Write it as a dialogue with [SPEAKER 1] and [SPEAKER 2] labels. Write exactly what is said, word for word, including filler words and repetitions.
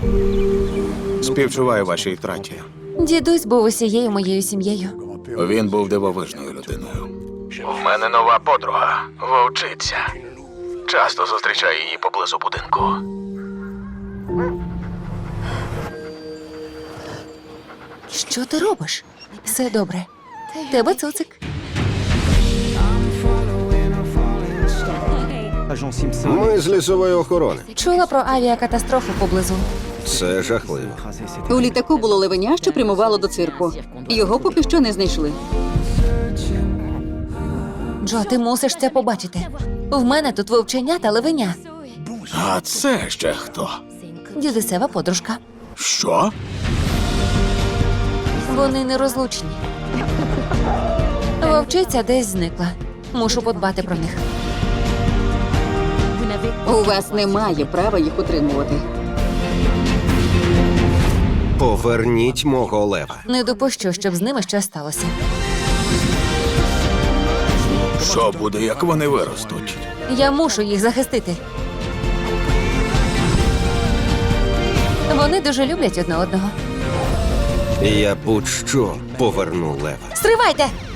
[SPEAKER 1] Співчуваю вашій втраті.
[SPEAKER 2] Дідусь був усією моєю сім'єю.
[SPEAKER 1] Він був дивовижною людиною. У мене нова подруга, вовчиця. Часто зустрічаю її поблизу будинку.
[SPEAKER 2] Що ти робиш? Все добре. Тебе цуцик.
[SPEAKER 3] Ми з лісової охорони.
[SPEAKER 2] Чула про авіакатастрофу поблизу.
[SPEAKER 3] Це жахливо.
[SPEAKER 4] У літаку було левеня, що прямувало до цирку. Його поки що не знайшли.
[SPEAKER 2] Джо, ти мусиш це побачити. В мене тут вовчення та левеня.
[SPEAKER 1] А це ще хто?
[SPEAKER 2] Дідусева подружка.
[SPEAKER 1] Що?
[SPEAKER 2] Вони нерозлучні. Вовчиця десь зникла. Мушу подбати про них.
[SPEAKER 4] У вас немає права їх утримувати.
[SPEAKER 3] Поверніть мого лева.
[SPEAKER 2] Не допущу, щоб з ними щось сталося.
[SPEAKER 1] Що буде, як вони виростуть?
[SPEAKER 2] Я мушу їх захистити. Вони дуже люблять одне одного.
[SPEAKER 3] Я будь-що поверну лева.
[SPEAKER 2] Стривайте!